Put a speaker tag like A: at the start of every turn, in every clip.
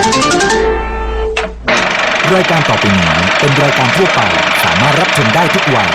A: รายการต่อไปนี้เป็นรายการทั่วไปสามารถรับชมได้ทุกวัย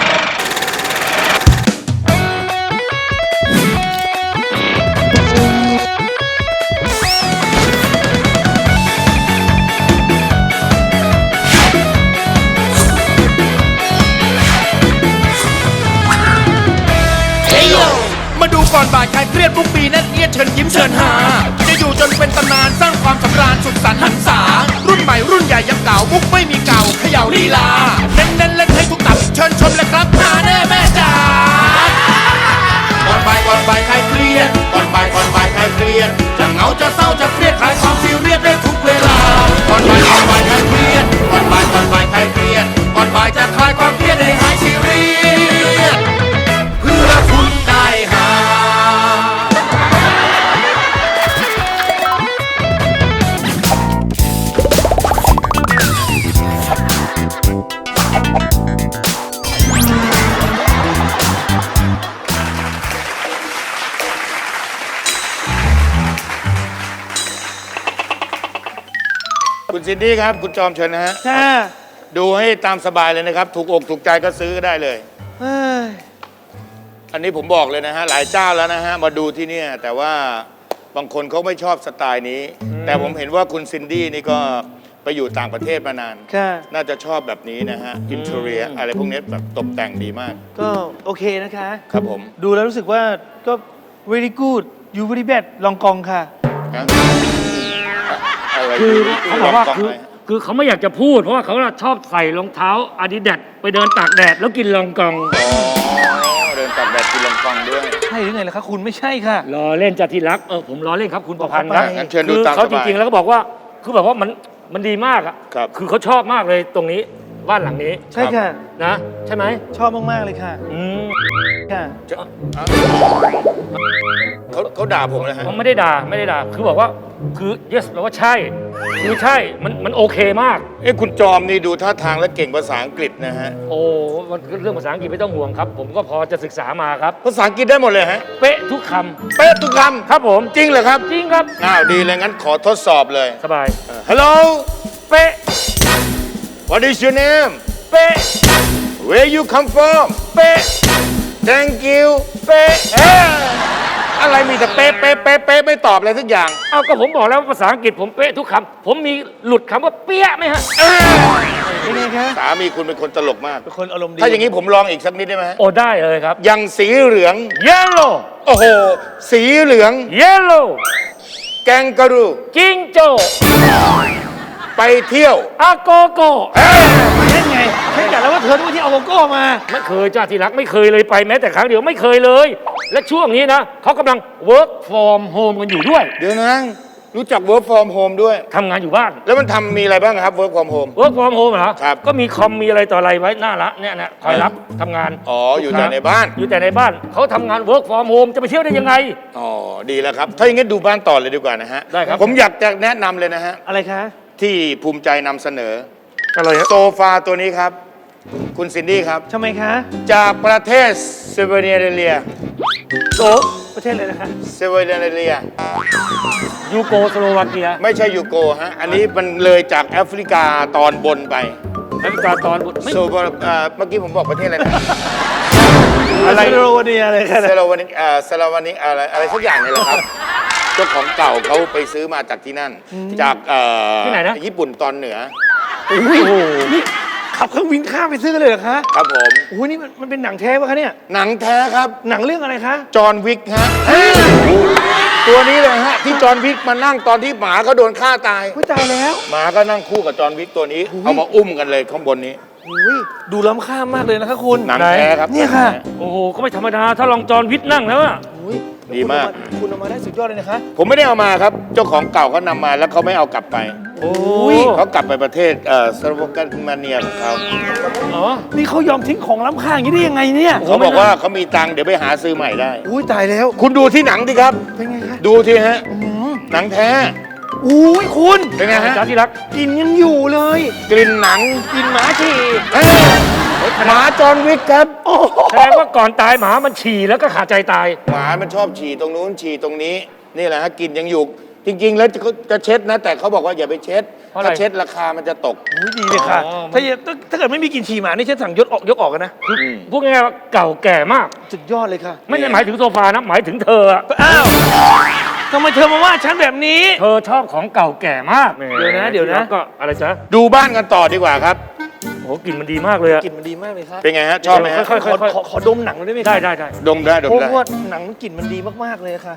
B: มาดูก่อนบ่ายใครเครียดทุกปีนั่นเอียดเชิญยิ้มเชิญหาจะอยู่จนเป็นตำนานสร้างความสำราญสุดสันต์หันษารุ่นใหม่รุ่นใหญ่ยังเก่ามุกไม่มีเก่าเขย่าลีลาเน้นเล่นให้ทุกตับเชิญชมเลยครับหาแน่แม่จ๋าก่อนบ่ายใครเครียดก่อนบ่ายใครเครียดจะเหงาจะเศร้าจะเครียดคลายความซีเรียสได้ทุกเวลาก่อนบ่ายใครเครียดก่อนบ่ายใครเครียดก่อนบ่ายจะคลายความเครียดให้หายซีเรียสเพื่อคุณได้หาคุณซินดี้ครับคุณจอมเชิญนะฮะดูให้ตามสบายเลยนะครับถูกอกถูกใจก็ซื้อก็ได้เลยอันนี้ผมบอกเลยนะฮะหลายเจ้าแล้วนะฮะมาดูที่เนี่ยแต่ว่าบางคนเขาไม่ชอบสไตล์นี้แต่ผมเห็นว่าคุณซินดี้นี่ก็ไปอยู่ต่างประเทศมานานน่าจะชอบแบบนี้นะฮะอินเทอร์เรียอะไรพวกนี้แบบตกแต่งดีมาก
C: ก็โอเคนะคะ
B: ครับผม
C: ดูแล้วรู้สึกว่าก็ very good you very bad ลองกองค่ะ
D: คือเขาบอกว่าคือเขาไม่อยากจะพูดเพราะว่าเขาชอบใส่รองเท้าอาดิดาสไปเดินตากแดดแล้วกินลองกอง
B: เดินตากแดดกินลองกองด้วย
C: ใช่หรือไงล่ะคะคุณไม่ใช่ค่ะ
D: ล้อเล่นจัดที่รักผมล้อเล่นครับคุณประพันธ์ครับ
B: งั้นเชิญดูตามสบาย
D: เขาจริงๆแล้วก็บอกว่าคือแบบว่ามันดีมากอ่ะคือเขาชอบมากเลยตรงนี้บ้านหลังนี้
C: ใช่ค่ะ
D: นะใช่ไหม
C: ชอบมากๆเลยค่ะค่ะ
B: เขาด่าผมเลยฮะ
D: เขาไม่ได้ด่าคือบอกว่าคือ yes แปลว่าใช่คือใช่มันโอเคมาก
B: คุณจอมนี่ดูท่าทางและเก่งภาษาอังกฤษนะฮะ
D: โอ้มันเรื่องภาษาอังกฤษไม่ต้องห่วงครับผมก็พอจะศึกษามาครับ
B: ภาษาอังกฤษได้หมดเลยฮะ
D: เป๊ะทุกค
B: ำเป๊ะทุกคำ
D: ครับผม
B: จริงเหรอครับ
D: จริงครับ
B: ดีเลยงั้นขอทดสอบเลย
D: สบาย
B: Hello
D: เป๊ะ
B: What is your name
D: เป๊ะ
B: Where you come from
D: เป๊ะ
B: Thank you
D: เป๊ะ
B: อะไรมีแต่เป๊ะไม่ตอบอะไรสักอย่าง
D: เอาก็ผมบอกแล้วภาษาอังกฤษผมเป๊ะทุกคำผมมีหลุดคำว่าเปี้ยไหมฮะ
C: เป็นไงคะ
B: สามีคุณเป็นคนตลกมาก
C: เป็นคนอารมณ์ดี
B: ถ้าอย่างนี้ผมลองอีกสักนิดได้ไหม
D: โอ้ได้เลยครับ
B: อย่างสีเหลือง
D: yellow
B: โอ้โหสีเหลือง
D: yellow
B: แกงกะรู
D: จิงโจ้
B: ไปเที่ยว
D: อาโกโก้
C: เล่นไงฉันกะแล้วว่าเธอต้องที่เอาโกโก้มา
D: ไม่เคยจ้าที่รักไม่เคยเลยไปแม้แต่ครั้งเดียวไม่เคยเลยและช่วงนี้นะเขากำลัง work from home กันอยู่ด้วย
B: เดี๋ยวนะรู้จัก work from home ด้วย
D: ทำงานอยู่บ้าน
B: แล้วมันมีอะไรบ้างครับ work from home
D: work from home เหรอ
B: ครับ
D: ก็มีคอมมีอะไรต่ออะไรไว้หน้าละเนี่ยนะคอยรับทำงาน
B: อยู่แต่ในบ้าน
D: อยู่แต่ในบ้านเขาทำงาน work from home จะไปเที่ยวได้ยังไง
B: ดีแล้วครับถ้าอย่างนี้ดูบ้านต่อเลยดีกว่านะฮะ
D: ได้ครับ
B: ผมอยากจะแนะนำเลยนะฮะ
C: อะไรคะ
B: ที่ภูมิใจนำเสนอ
C: อะไร
B: โซฟาตัวนี้ครับคุณซินดี้ครับ
C: ทำไมคะ
B: จากประเทศเซเวเนเรีย
C: ประเทศอะไรนะคะ
B: เซเวเนเรีย
D: ยูโกสโลวาเกีย
B: ไม่ใช่ยูโกฮะอันนี้มันเลยจากแอฟริกาตอนบนไป
D: แอฟริกาตอนบน
B: เมื่อกี้ผมบอกประเทศอะไรนะ
C: อะไรเซโลวาเนียอะไรกัน
B: เซโลวานีอะไรสักอย่างนี่แหละครับเจ้าของเก่าเขาไปซื้อมาจากที่นั่นจาก
D: ที่ไหนนะ
B: ญี่ปุ่นตอนเหนือ
C: โอ้โหนี่ขับเครื่องบินข้ามไปซื้อกันเลยเหรอคะ
B: ครับผม
C: โอ้ยนี่มันเป็นหนังแท้ปะคะเนี่ย
B: หนังแท้ครับ
C: หนังเรื่องอะไรคะ
B: จอห์นวิกฮะตัวนี้เลยฮะที่จอห์นวิกมานั่งตอนที่หมาเขาโดนฆ่าตาย
C: ตายแล้ว
B: หมาก็นั่งคู่กับจอห์นวิกตัวนี้เอามาอุ้มกันเลยข้างบนนี้
C: ดูล้ำค่ามากเลยนะคะคุณ
B: หนังแท้ครับ
C: เนี่ยค่ะ
D: โอ้โหก็ไม่ธรรมดาถ้าลองจอห์นวิกนั่งแล้วอะ
B: ดีมาก
C: คุณเอามาได้สุดยอดเลยนะคะ
B: ผมไม่ได้เอามาครับเจ้าของเก่าเขานำมาแล้วเขาไม่เอากลับไปเขากลับไปประเทศสโลวาเกียของเขา
C: นี่เขายอมทิ้งของล้ำค่าอย่างนี้ได้ยังไงเนี่ย
B: เขาบอกว่าเขามีตังค์เดี๋ยวไปหาซื้อใหม่ได้
C: ตายแล้ว
B: คุณดูที่หนังดิครับ
C: เป็นไงคะ
B: ดูทีฮะหนังแท้
C: คุณ
B: เป็นไงฮะ
D: ที่รัก
C: กลิ่นยังอยู่เลย
B: กลิ่นหนัง
C: กลิ่นหมาฉี่
B: หมาจอห์นวิกครับ
D: แสดงว่าก่อนตายหมามันฉี่แล้วก็ขาดใจตาย
B: หมามันชอบฉี่ตรงนู้นฉี่ตรงนี้นี่แหละฮะกลิ่นยังอยู่จ
E: จริง ๆ แล้วจะเช็ดนะ แต่เขาบอกว่าอย่าไปเช็ด
D: เพราะอะไร
E: ถ้าเช็ดราคามันจะตก
C: อุ๊ยดีเลยค่ะ
D: อ๋อ
C: ถ้าเกิดไม่มีกลิ่นฉี่หมานี่ฉันสั่งยกออกกันนะ
D: พูดง่ายๆว่าเก่าแก่มาก
C: สุดยอดเลยค่ะ
D: ไม่ได้หมายถึงโซฟานะหมายถึงเธออะ
C: อ้าวทำไมเธอมาว่าฉันแบบนี้
D: เธอชอบของเก่าแก่มาก
C: เดี๋ยวนะ
D: ก็อะไรจ๊ะ
E: ดูบ้านกันต่อดีกว่าครับ
D: โอ้กลิ่นมันดีมากเลยอะ
C: กลิ่นมันดีมากเลยค่ะ
E: เป็นไงฮะ ชอบไหมฮะ
D: ค่อยๆ
C: ขอดมหนังหน่อยได้ไหมคะ
D: ได้
E: ดมได้ดม
C: เพราะ
E: ได้
C: ว่าหนังกลิ่นมันดีมากๆเลยค่ะ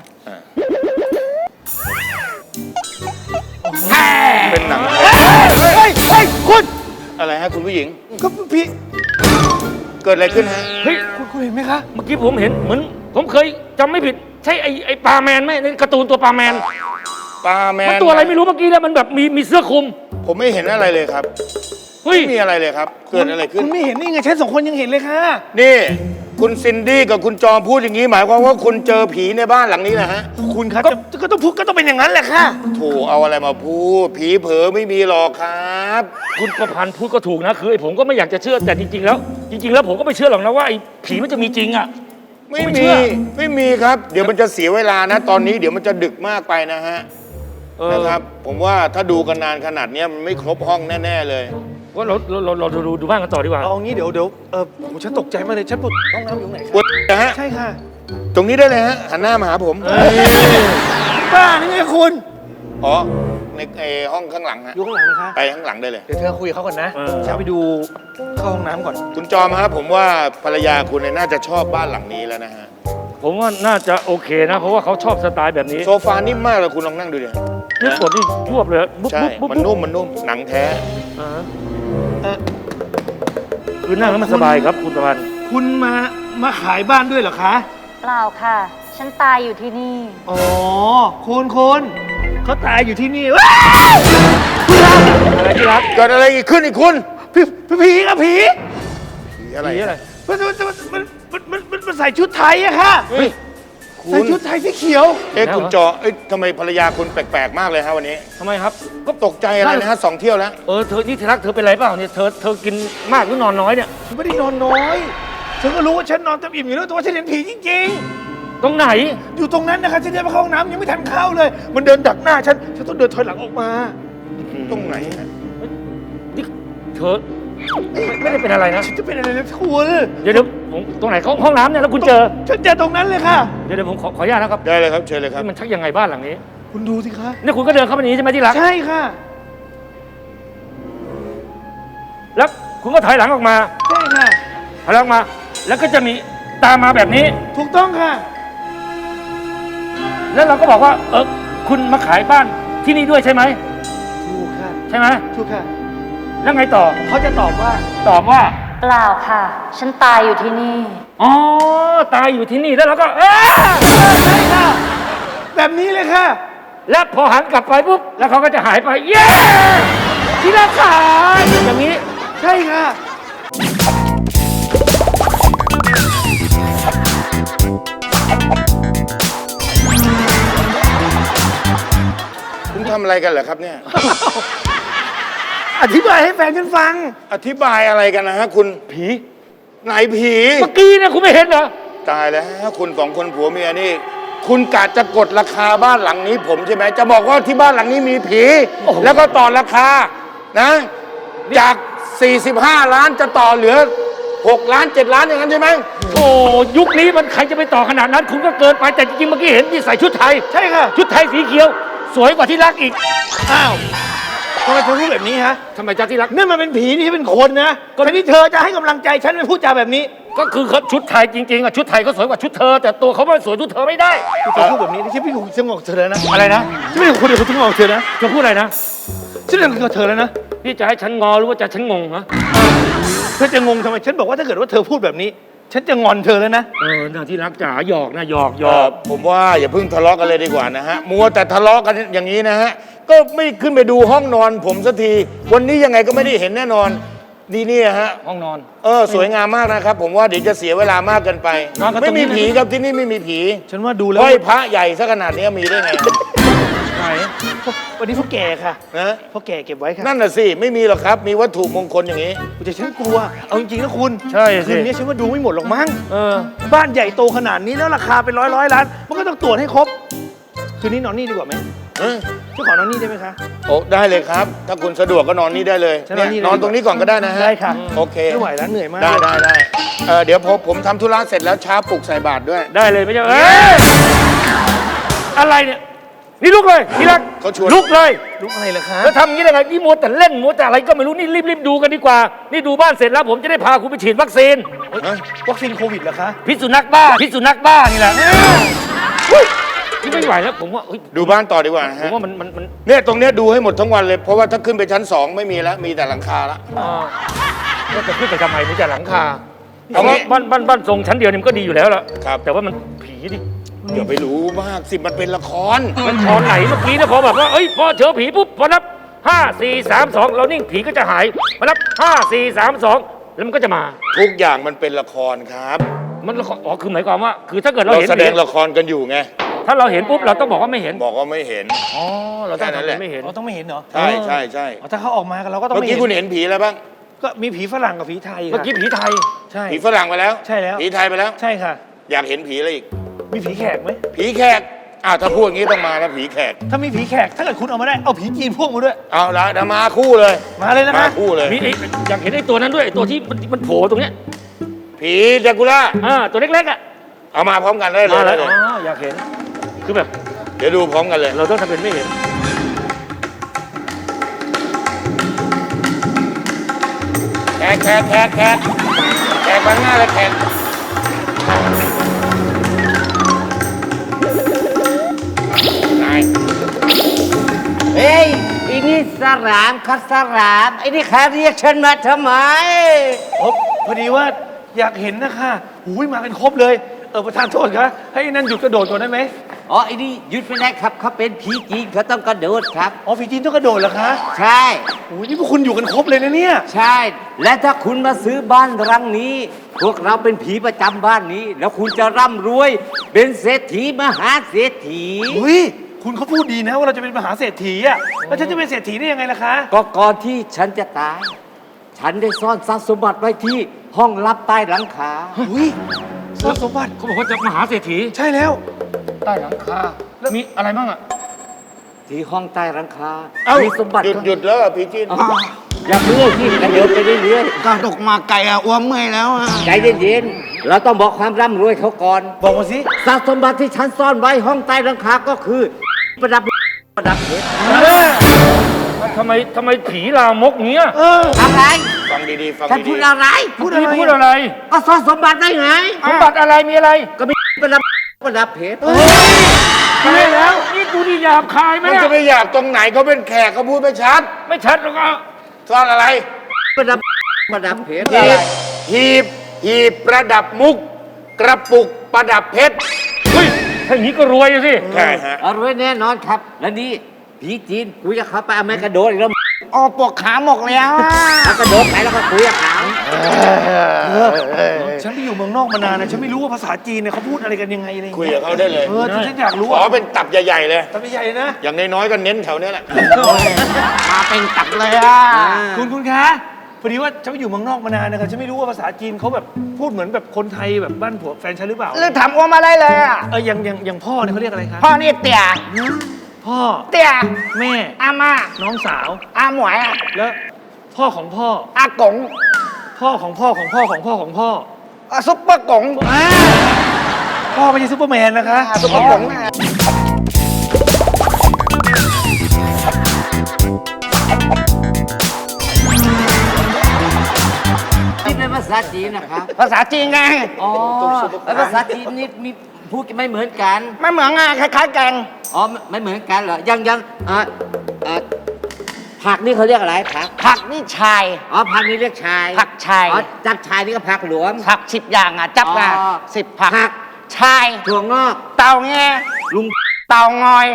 E: เป็นหนัง
C: เฮ้ยคุณ
E: อะไรฮะคุณผู้หญิง
C: ก็พี่
E: เกิดอะไรขึ้นฮะ
D: เฮ้ย
C: คุณเห็นไหมคะ
D: เมื่อกี้ผมเห็นเหมือนผมเคยจำไม่ผิด ใช่ไอ้ปลาแมนไหมในการ์ตูนตัวปลาแมน
E: ปลาแมน
D: มันตัวอะไรไม่รู้เมื่อกี้เนี่ยมันแบบมีเสื้อคลุม
E: ผมไม่เห็นอะไรเลยครับ
D: เฮ้ย
E: ไม่มีอะไรเลยครับ เกิดอะไรขึ้น
C: คุณไม่เห็นนี่ไงฉันสองคนยังเห็นเลยค่ะ
E: นี่คุณซินดี้กับคุณจอมพูดอย่างนี้หมายความว่าคุณเจอผีในบ้านหลังนี้นะฮะ
C: คุณคะก็ต้องพูดก็ต้องเป็นอย่างนั้นแหละค่ะ
E: โถเอาอะไรมาพูด ผีเผลอไม่มีหรอกครับ
D: คุณประพันธ์พูดก็ถูกนะคือไอ้ผมก็ไม่อยากจะเชื่อแต่จริงๆแล้วผมก็ไม่เชื่อหรอกนะว่าไอ้ผีมันจะมีจริงอ่ะ
E: ไม่
D: ผมไม่
E: มี
D: เชื่อ
E: ไม่มีครับ เดี๋ยวมันจะเสียเวลานะ ตอนนี้เดี๋ยวมันจะดึกมากไปนะฮะนะครับ ผมว่าถ้าดูกันนานขนาดเนี้ยมันไม่ครบห้องแน่ๆเลย
D: ว่าเราดูบ้านกันต่อดีกว่า
C: เอางี้เดี๋ยวผมฉันตกใจมากเลยฉันปวดห้องน้ำอยู่ไหน
E: ปวดนะฮะ
C: ใช่ค่ะ
E: ตรงนี้ได้เลยฮะหันหน้ามาหาผม
C: บ้านี่ไงคุณ
E: อ๋อในห้องข้างหลังฮะ
C: อยู่ข้างหลังนะคะ
E: ไปข้างหลังได้เลย
C: เดี๋ยวเธอคุยกับเขาก่อนนะ
D: เออ
C: ฉันไปดูเข้าห้องน้ำก่อน
E: คุณจอมครับผมว่าภรรยาคุณเนี่ยน่าจะชอบบ้านหลังนี้แล้วนะฮะ
D: ผมว่าน่าจะโอเคนะ เพราะว่าเขาชอบสไตล์แบบนี้
E: โซฟานิ่มมากเลยคุณลองนั่งดูดิ
D: นี่กดนี่ยวบเลยบุ๊บ
E: ใช่
D: บุ๊บ
E: มันนุ่มหนังแท้
D: อ่า
C: เอ่อ
D: คือนั่งแล้วมันสบายครับคุณประพันธ์
C: คุณมาขายบ้านด้วยเหรอคะ
F: เปล่าค่ะ ฉันตายอยู่ที่นี่
C: อ๋อคุณเขาตายอยู่ที่นี่ว้าว
D: อะไรที่รัก
E: เกิดอะไรอีกขึ้นอีกคุณ
C: ผีครับผี
E: ผีอะไร
D: ผีอะไร
C: มันใส่ชุดไทยอะค่ะ
E: เฮ้ยคุ
C: ใส่
E: ณ
C: ชุดไทยสีเขียว
E: คุณจอทำไมภรรยาคุณแปลกๆมากเลยฮะวันนี้
D: ทำไมครับ
E: ก็ตกใจอะไรนะฮะ2 เที่ยวแล้ว
D: เธอนี่ที่รักเธอเป็นไรเปล่าเนี่ยเธอกินมากหรือนอนน้อยเนี่ย
C: ฉันไม่ได้นอนน้อยฉันก็รู้ว่าฉันนอนเต็มอิ่มอยู่แล้วแต่ว่าฉันเห็นผีจริง
D: ตรงไหน
C: ๆ อยู่ตรงนั้นนะคะฉันเดินไปเข้าห้องน้ำยังไม่ทันเข้าเลย มันเดินดักหน้าฉันต้องเดินถอยหลังออกมา
E: ตรงไหนฮะ
D: นี่เธอไม่ได้เป็นอะไรนะ
C: ฉันจะเป็นอะไรนะคุณ
D: เดี๋ยวผมตรงไหนห้องน้ำเนี่ยแล้วคุณเจอ
C: ฉันเจอตรงนั้นเลยค่ะ
D: เดี๋ยวผมขออนุญาตนะครับ
E: ได้เลยครับเชิญเลยครับ
D: นี่มันชักยังไงบ้านหลังนี้
C: คุณดูสิคะ
D: นี่คุณก็เดินเข้ามาในนี้ใช่ไหมที่รัก
C: ใช่ค่ะ
D: แล้วคุณก็ถอยหลังออกมา
C: ใช่ค่ะ
D: ถอยหลังมา แล้วก็จะมีตามมาแบบนี้
C: ถูกต้องค่ะ
D: แล้วเราก็บอกว่า คุณมาขายบ้านที่นี่ด้วยใช่ไหม
C: ถูกค่ะ
D: ใช่ไหม
C: ถูกค่ะ
D: แล้วไงต่อ
C: เขาจะตอบว่า
D: ตอบว่า
F: เปล่าค่ะ ฉันตายอยู่ที่นี่
D: อ๋อ ตายอยู่ที่นี่แล้วเราก็
C: ใช่ค่ะ แบบนี้เลยค่ะ
D: แล้วพอหันกลับไปปุ๊บ แล้วเขาก็จะหายไป เย้ ที่รักขาอย่างนี้
C: ใช่ค่ะ
E: คุณทำอะไรกันเหรอครับเนี่ย
C: อธิบายให้แฟนฉันฟัง
E: อธิบายอะไรกันนะฮะคุณ
D: ผี
E: ไหนผี
D: เมื่อกี้เนี่ยคุณไม่เห็นเหรอ
E: ตายแล้วคุณ2 คนผัวเมียนี่ คุณกะจะกดราคาบ้านหลังนี้ผมใช่ไหมจะบอกว่าที่บ้านหลังนี้มีผี
D: โอ้โห
E: แล้วก็ต่อราคานะ จาก 45 ล้านจะต่อเหลือ 6 ล้าน 7 ล้านอย่างนั้นใช่ไหม
D: โอ้ยุคนี้มันใครจะไปต่อขนาดนั้น คุณก็เกินไปแต่จริงๆเมื่อกี้เห็นที่ใส่ชุดไทย
C: ใช่ค่ะ
D: ชุดไทยสีเขียว สวยกว่าที่รักอีก
C: อ้าวทำไมเธอพูดแบบนี้ฮะ
D: ทำไมจ้าที่รัก
C: นี่มันเป็นผีนี่เป็นคนนะก็ที่เธอจะให้กำลังใจฉันไปพูดจาแบบนี้
D: ก็คือเขาชุดไทยจริงๆอ่ะชุดไทยก็สวยกว่าชุดเธอ แต่ตัวเขาไม่สวยชุดเธอไม่ได้
C: เธอพูดแบบนี้ฉันไม่ถูกฉันงงกับเธอแล้วนะ
D: อะไรนะ
C: ฉันไม่ถูกคนเดียวฉันงงกับเธอนะ
D: จะพูดอะไรนะ
C: ฉันเรื่องกับเธอแล้วนะ
D: พี่จะให้ฉันงอหรือว่าจะฉันงงฮะ
C: เธอจะงงทำไมฉันบอกว่าถ้าเกิดว่าเธอพูดแบบนี้ ฉันจะงอนเธอแล้วนะ
D: น่าที่รักจ๋าหยอกนะหยอกหย
E: เอ่
D: อ
E: อก ผมว่าอย่าเพิ่งทะเลาะกันเลยดีกว่านะฮะ มัวแต่ทะเลาะกันอย่างนี้นะฮะ ก็ไม่ขึ้นไปดูห้องนอนผมสักที วันนี้ยังไงก็ไม่ได้เห็นแน่นอน ดีนี่ฮะ
D: ห้องนอน
E: สวยงามมากนะครับ ผมว่าเดี๋ยวจะเสียเวลามากเกินไป
D: นอนกันต
E: ไม่
D: รงนี้
E: มีผีครับที่นี่ไม่มีผี
C: ฉันว่าดูแล้ว
E: ห้อยพระใหญ่ซะขนาดนี้มีได้ไง
D: ไหน
C: วันนี้พ่อแก่ค่ะ
E: นะ
C: พ่อแก่เก็บไว้ค่ะ
E: นั่นน่ะสิไม่มีหรอกครับ มีวัตถุมงคลอย่างนี้
C: แต่ฉันกลัว เอาจริงๆนะคุณ
D: ใช่สิ
C: คืนนี้ฉันว่าดูไม่หมดหรอกมั้ง
D: เออ
C: บ้านใหญ่โตขนาดนี้แล้วราคาเป็นร้อยล้าน มันก็ต้องตรวจให้ครบ คืนนี้นอนนี่ดีกว่าไหม
E: เอ้ย
C: ช่วยขอนอนนี่ได้ไหมคะ
E: โอ้ได้เลยครับ ถ้าคุณสะดวกก็นอนนี่ได้เลย
C: ฉันนอนนี่
E: เนี่ยนอนตรงนี้ก่อนก็ได้นะฮะ
C: ได้ค่ะ
E: โอเค
C: ไม่ไหวแล้วเหนื่อยมาก
E: ได้เดี๋ยวผมทำธุระเสร็จแล้วเช้าปลุกใส่บาตรด้วย
D: ได้เลยไม่ใช่อะไรเนี่ยนี่ลุกเลยทีรัก
E: เขาชวน
D: ลุกเลย
C: ลุกอะไรเหรอคะ
D: แล้วทำอย่างนี้ได้ไงนี่มัวแต่เล่นมัวแต่อะไรก็ไม่รู้นี่รีบดูกันดีกว่า นี่ดูบ้านเสร็จแล้วผมจะได้พาคุณไปฉีดวัคซีน
C: วัคซีนโควิดเหรอคะ
D: พิษสุนัขบ้านี่แหละนี่ไม่ไหวแล้วผมว่าเฮ้ย
E: ดูบ้านต่อดีกว่านะ
D: ผม
E: ฮะ
D: ว่ามัน
E: เนี่ยตรงเนี้ยดูให้หมดทั้งวันเลย เพราะว่าถ้าขึ้นไปชั้น 2 ไม่มีแล้ว มีแต่หลังคาละ
D: ว่าจะขึ้นไปทำไมมีแต่หลังคา
E: เอา
D: เอา
E: งี้
D: ว่าบ้านทรงชั้นเดียวนี่มันก็ดีอยู่แล้วล่ะ
E: ครับ
D: แต่ว่ามันผีดิ
E: อย่าไปรู้มากสิมันเป็นละคร
D: มันพอไหนเมื่อกี้เนี่ยพอแบบว่าเอ้ยพอเจอผีปุ๊บพอนับ5 4 3 2เรานิ่งผีก็จะหายพอนับ5 4 3 2แล้วมันก็จะมา
E: ทุกอย่างมันเป็นละครครับ
D: มันละครอ๋อคือหมายความว่า คือถ้าเกิดเรา
E: เรา
D: เห็น
E: แสดง
D: ผี
E: ละครกันอยู่ไง
D: ถ้าเราเห็นปุ๊บเราต้องบอกว่าไม่เห็น
E: บอกว่าไม่เห็น
D: อ๋อเราต้อง
E: แค่นั้นแหละ
D: ทำเป็นไม่เห็น
C: เราต้องไม่เห็นเหรอ
E: ใช่
C: อ๋อถ้าเขาออกมากันเราก็ต้อง
E: เมื่อ
C: ไม่
E: กี้
C: เห็น
E: คุณเห็นผีอะไรบ้าง
C: ก็มีผีฝรั่งกับผีไทย
D: เมื่อ
C: ค่ะ
D: กี้ผีไทย
C: ใช่
E: ผีฝรั่งไปแล้ว
C: ใช่แล้ว
E: ผีไทยไปแล้ว
C: ใช่ค่ะ
E: อยากเห็นผีอะไรอีก
C: มีผีแขกไหม
E: ผีแขกอ้าวถ้าพูดอย่างนี้ต้องมาแล้วผีแขก
C: ถ้ามีผีแขกถ้าเกิดคุณเอามาได้เอาผีจีนพ่วงมาด้วย
E: เอาละเดี๋ยวมาคู่เลย
C: มาเลยนะ
E: มา
C: คะ
E: คู่เลย
D: มีอยากเห็นไอ้ตัวนั้นด้วยไอ้ตัวที่มันโผล่ตรงเนี้ย
E: ผีแดกูล่า
D: ตัวเล็กๆอ่ะ
E: เอามาพร้อมกันได้เลย
D: มาแล้ว
E: ได้
D: อ๋
E: เลย
D: ออยากเห็นคือแบบ
E: เดี๋ยวดูพร้อมกันเลย
D: เราต้องทำเป็นไม่เห็น
E: แขกมาหน้าเลยแขก นาย
G: เฮ้ยไอ้นี่สรามครับสรามไอ้นี่ใครเรียกฉันมาทำไม
C: โอ้พอดีว่าอยากเห็นนะคะหูยมากันครบเลย ประธานโทษคะให้นั่นหยุดกระโดดก่อนได้ไหม
G: อ๋อไอ้นี่หยุดไม่ได้ครับเขาเป็นผีจีนเขาต้องกระโดดครับ
C: อ๋อผีจีนต้องกระโดดเหรอคะ
G: ใช่
C: โอ้ยนี่พวกคุณอยู่กันครบเลยนะเนี่ย
G: ใช่ และถ้าคุณมาซื้อบ้านรังนี้ พวกเราเป็นผีประจำบ้านนี้ แล้วคุณจะร่ำรวย เป็นเศรษฐีมหาเศรษฐี
C: อุ้ยคุณเขาพูดดีนะว่าเราจะเป็นมหาเศรษฐีอะแล้วฉันจะเป็นเศรษฐีได้ยังไงล่ะคะ
G: ก็ก่อนที่ฉันจะตาย ฉันได้ซ่อนทรัพย์สมบัติไว้ที่ห้องลับใต้หลังคา
C: อุ้ยทรัพย์สมบัติ
D: เขาบอกว่าจะมหาเศรษฐี
C: ใช่แล้ว
D: ใต้หลังคาแล้วมีอะไรบ้างอ่ะ
G: ที่ห้องใต้หลังคา
E: เอ้า
G: มีสมบัติ
E: หยุดแล้วเหรอผีจีน
G: อ๋ออย่าเพิ่งที่กระโดดไปเรื่อยๆ
H: กระดกมาไก่อะอ้วมเมื่อยแล้วอะ
G: ใจเย็นๆ เราต้องบอกความร่ำรวยเขาก่อน
C: บอกมาสิ
G: ทรัพย์สมบัติที่ฉันซ่อนไว้ห้องใต้หลังคาก็คือ ประดับเพชร
D: ทำไมผีลามกเงี้ย
G: อะไร
E: ฟังดีๆ ฟัง
G: ฉัน
E: ดี
G: พูดอะไร
D: พูดอะไร
G: ก็ซ่อนสมบัติได้ไง
D: สมบัติอะไรมีอะไร
G: ก็มีประดับเพชร
D: ใช่แล้ว นี่กูนี่หยาบคายไห
E: ๆ
D: ม
E: มัน
D: เนี่ย
E: จะไปอยากตรงไหนเขาเป็นแขกเขาพูดไม่ชัด
D: ไม่ชัดหรอกอ่ะ
E: ซ่อนอะไร
G: ประดับเพชร
E: หีบประดับมุก กระปุกประดับเพชร
D: เฮ้ยถ้าอย่างนี้ก็รวยอะสิ
E: ใช่ฮะ
G: เอาไว้แน่นอนครับ และนี่ผีจีนคุยกับเขาไปเอาไม้กระโดดอีกแล้ว
H: อ๋อปวดขาหมกแล้วอะ
G: เอากระโดดไปแล้วก็คุยกับเขา
C: ฉันไปอยู่เมืองนอกมานานนะฉันไม่รู้ว่าภาษาจีนเนี่ยเขาพูดอะไรกันยังไงอะไรอย่าง
E: คุย
C: เงี้ย
E: กับเขาได้เลย
C: ฉันอยากรู้
E: ขอเป็นตับใหญ่ๆเลย
C: ทำใหญ่ๆนะ
E: อย่างน้อยๆก็เน้นแถวเนี้ยแหละ
H: มาเป็นตับเลยอะ
C: คุณคะพอดีว่าฉันไปอยู่เมืองนอกมานานนะครับฉันไม่รู้ว่าภาษาจีนเขาแบบพูดเหมือนแบบคนไทยแบบบ้านผัวแฟนฉันหรือเปล่า
H: หรือถามอ้วมมาได้เลยอะ
C: อย่างพ่อเนี่ยเขาเรียกอะไรคะ
H: พ่อนี่เตี่ย
C: พ่อ
H: เตี่ย
C: แม่
H: อาม่า
C: น้องสาว
H: อาหมวยอะ
C: แล้วพ่อของพ่อ
H: อากง
C: พ่อของพ่อของพ่อของพ่อของพ่อ
H: อะซุปเปอร์กง
C: พ่อไม่ใช่ซูเปอร์แมนนะคะ
H: ซุปเปอร์กงอะ
G: นี่เป็นภาษาจีนนะครับ
H: ภาษาจีนไง
G: อ๋อแล้วภาษาจีนนี่มีพูดไม่เหมือนกัน
H: ไม่เหมือนอะคล้ายๆแกง
G: อ๋อไม่เหมือนกันเหรอ ยังผักนี่เขาเรียกอะไรผัก
H: ผักนี่ชาย
G: อ๋อผักนี่เรียกชาย
H: ผักชาย
G: อ๋อจับชายนี่ก็ผักหลวม
H: ผัก10 อย่างอะจับมา
G: อ๋อ
H: 10 ผัก
G: ผัก
H: ชาย
G: ถั่วงอก
H: เตาแง
G: ลุง
H: เตางอย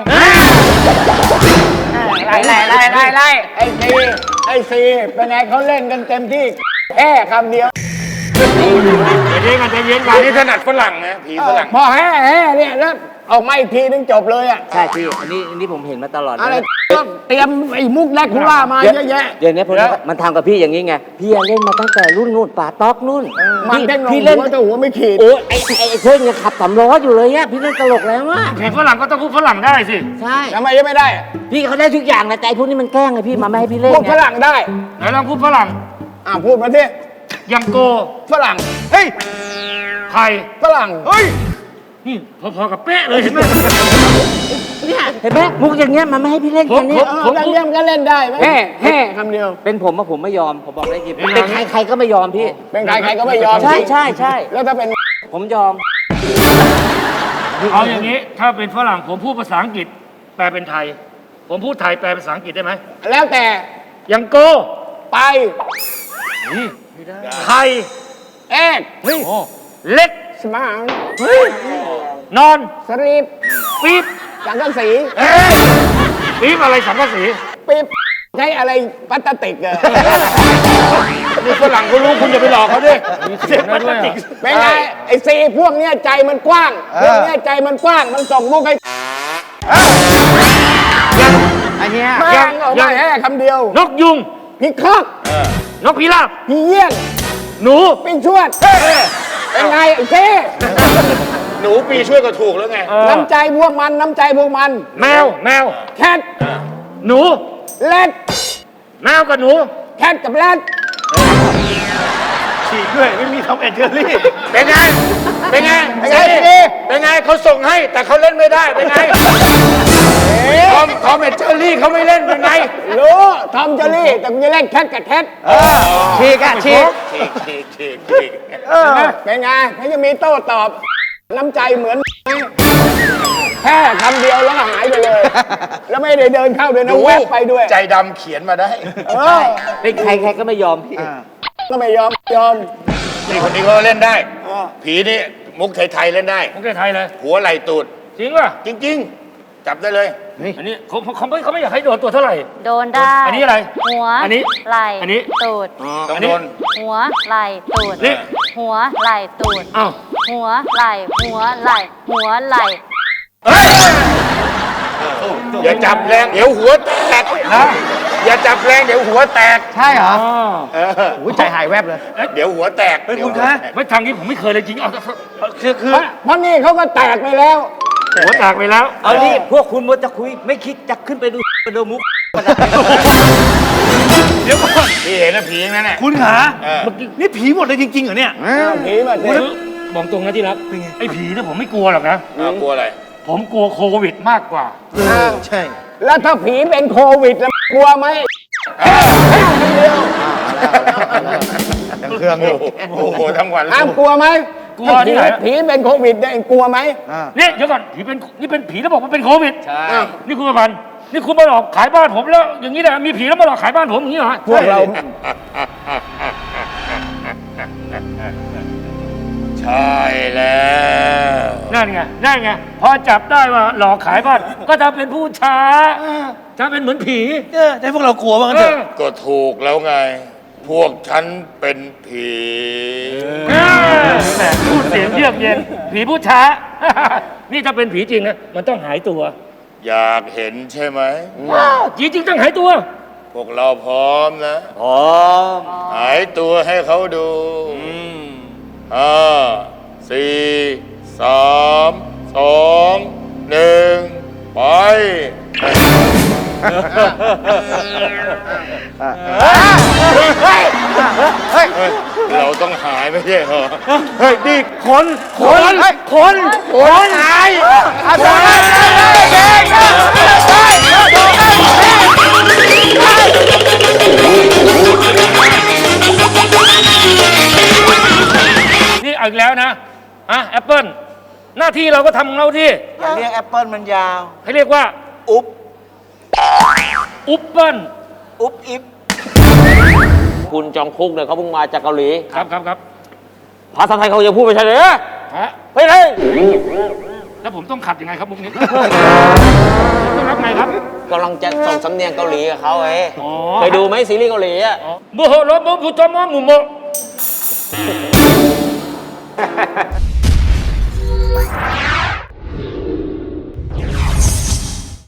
H: ไล่ไอ้ซีเป็นไงเขาเล่นกันเต็มที่แค่คำเดียว
D: ใจเย็นกัน
E: อันนี้ถนัดฝรั่งนะผีฝรั่ง
H: พอแห่เนี่ยแล้วออกมาอีกทีนึงจบเลยอ่ะ
G: ใช่พี่อันนี้ผมเห็นมาตลอด
H: อะไร
G: นะ
H: ก็เตรียมไอ้มุกแรกคูล่ามาเยอะแยะ
G: เดี๋ยวนี้มันทำกับพี่อย่างนี้ไง พี่เล่นมาตั้งแต่รุ่นนู่นป่าต๊อกนู่น
H: มันเด้งลง
G: พี่
H: หั
G: เล่น
H: วแต่หัวไม่ขีด
G: โอ้ยไอ้เท่งยังขับสำล้ออยู่เลยอะพี่เล่นตลกแล้วอะ
D: ผีฝรั่งก็ต้องพูดฝรั่งได้สิ
G: ใช่
H: ทำไมยังไม่ได้
G: พี่เขาได้ทุกอย่างนะแต่ไอ้พวกนี้มันแกล้งไงพี่มาไม่ให้พี่เล่น
H: พวก
G: ไง
H: ฝรั่งได้
D: ไหนลองพูดฝรั่ง
H: พูดมาที่
D: ยังโก
H: ฝรั่ง เฮ้ย
D: ใคร
H: ฝรั่ง
C: เฮ้ย
D: นี่พอๆกับเป๊ะเลยเห็นไหม
G: เนี่ยเห็นไหมมุกอย่างเงี้ยมันไม่ให้พี่เล่นแค่เนี้ย
H: ผมเยี่ยมก็เล่นได้ไหมแห่คำเดียว
G: เป็นผมอะผมไม่ยอมผมบอกได้จริงเป็นใครก็ไม่ยอมพี่
H: เป็นใครก็ไม่ยอม
G: ใช่ใช่ใช่
H: แล้วถ้าเป็น
G: ผมยอม
D: เอาอย่างนี้ถ้าเป็นฝรั่งผมพูดภาษาอังกฤษแปลเป็นไทย ผมพูดไทยแปลเป็นภาษาอังกฤษได้ไหม
H: แล้วแต่
D: ยังโก
H: ไป
D: ไทย
H: แอก
D: เล็ก
H: สมาร์ท
D: นอน
H: สลีป
D: ปี๊บ
H: สังกะสี
D: ปี๊บอะไรสังกะสี
H: ปิ๊บใช้อะไรพลาสติกอะ
E: นี่ฝรั่งเขารู้คุณอย่าไปหลอกเขาดิ
D: เสียงมันติก
H: เป็นไงไอ้ซีพวกเนี้ยใจมันกว้างพวกเนี้ยใจมันกว้างมันส่งมุกให้
G: อันเนี้ย
H: แม่งออกมาแห่คำเดียวน
D: กยุง
H: พี่คอก
D: นกพิราบ
H: พี่เยี่ยน
D: หนู
H: พี่ชวดเป็นไงไอ้เซ่
E: หนูปีช่วยก็ถูกแล้วไง
H: น้ำใจพวกมันน้ำใจพวกมัน
D: แมว
H: แคท
D: หนู
H: แรด
D: แมวกับหนู
H: แคทกับแรด
C: ฉีกด้วยไม่มีทอมแอนเจอรี่
E: เป็นไง เป็นไง
H: เป็นไง
E: เป็นไงเขาส่งให้แต่เขาเล่นไม่ได้ เป็นไง ทอมแอนเจอรี่เขาไม่เล่น เป็นไง
H: รู้ทอมเจอรี่แต่กูจะเล่นแคทกับแคท
G: ฉีกอะฉีก
E: ฉีก
H: เป็นไงเขาจะมีโต้ตอบ น้ำใจเหมือนแค่คำเดียวแล้วก็หายไปเลย แล้วไม่ได้เดินเข้าด้วยนะแวบไปด้วย
E: ใจดำเขียนมาได้
G: เป็นใครก็ไม่ยอมพี่
H: ก็ไม่ยอม
E: นี่คนนี้เขาเล่นได้ ผีนี่มุกไทยๆเล่นได้
D: ผมไทยเลย
E: หัวไหล่ตูด
D: จริงป่ะ
E: จริง ๆ จับได้เลย
D: อันนี้เขาไม่อยากให้โดนตัวเท่าไหร่
F: โดนได้
D: อันนี้อะไร
F: หัว
D: อันนี้
F: ไหล่
D: อันนี้
F: ตูด
E: ต้องโดน
F: หัวไหล่ตูด
D: นี่
F: หัวไหล่ตูด
D: อ้าว
F: หัวไหล่หัวไหล่หัวไหล่
E: อย่าจับแรง เดี๋ยวหัวแตกอย่าจับแรงเดี๋ยวหัวแตก
G: ใช่เหรอ
H: อุ้ยใจหายแวบเลย
E: เดี๋ยวหัวแตก
C: เฮ้ยคุณคะ
D: ไม่ทางนี้ผมไม่เคยเลยจริงเอา
C: คือ
H: เพราะนี่เขาก็แตกไปแล้ว
D: หัวแตกไปแล้ว
G: เอานี่พวกคุณมัวจะคุยไม่คิดจะขึ้นไปดูมุก
C: เดี๋ยวก่อน
E: พี่เห็นนะผีนั่นแหละ
C: คุณขา
E: เออ
C: นี่ผีหมดเลยจริงๆเหรอเนี่ย
H: ผีมาเด็
D: บอกตรงนะที่รักไอ้ผีเนี่ยผมไม่กลัวหรอกนะ
E: กลัวอะไร
D: ผมกลัวโควิดมากกว่า
C: ใช่
H: แล้วถ้าผีเป็นโควิดแล้วกลัวไหม
E: เครื่องอยู่โอ้โหทั้งวัน
H: อ้ามกลัวไหม
D: กลัวที่ไหน
H: ผีเป็นโควิดเนี่ยกลัวไหม
D: นี่เดี๋ยวก่อนผีเป็นนี่เป็นผีแล้วบอกว่าเป็นโควิดใช่นี่คุณประพันธ์นี่คุณมาหลอกขายบ้านผมแล้ว อย่างนี้แหละมีผีแล้วมาหลอกขายบ้านผมอย่างนี้เหรอ
H: พวกเรา
E: ใช่แล้ว
D: นั่นไงพอจับได้ว่าหลอกขายบ้านก็จะเป็นผู้ช้าจะเป็นเหมือนผี
C: จะให้พวกเรากลัวบ้างกันเถอะ
E: ก็ถูกแล้วไง พวกฉันเป็นผี
D: แหมพูดเสียงเยือกเย็นผีผู้ช้า นี่ถ้าเป็นผีจริงนะมันต้องหายตัว
E: อยากเห็นใช่ไหม
D: ผีจริงต้องหายตัว
E: พวกเราพร้อมนะ
G: พร้อม
E: หายตัวให้เขาดูห้าสี่สามสองหนึ่งไป เราต้องหายไม่ใช่เหรอ เฮ้ยนี่คนหาย
D: นี่เอาอีกแล้วนะแอปเปิลหน้าที่เราก็ทำของเราที่
G: อย่าเรียกแอปเปิลมันยาว
D: ให้เรียกว่า
G: อุ๊บ
D: อุ๊บเปิ้ล
G: อุ๊บอิบ
I: คุณจองคุกเนี่ยเขาเพิ่งมาจากเกาหลี
D: ครับ
I: ภาษาไทยเขาจะพูดไม่ใช่เลย
D: ฮะ
I: ไปเลย
D: แล้วผมต้องขัดยังไงครับมุกนี้ ต้องรับไงครับ
I: กำลังจะส่งสำเนียงเกาหลีกับเขาเอ้ย
D: อ๋อ
I: เคยดูไหมซีรีส์เกาหลีอ่ะ
D: โมโหโรโมพุทโมมุโม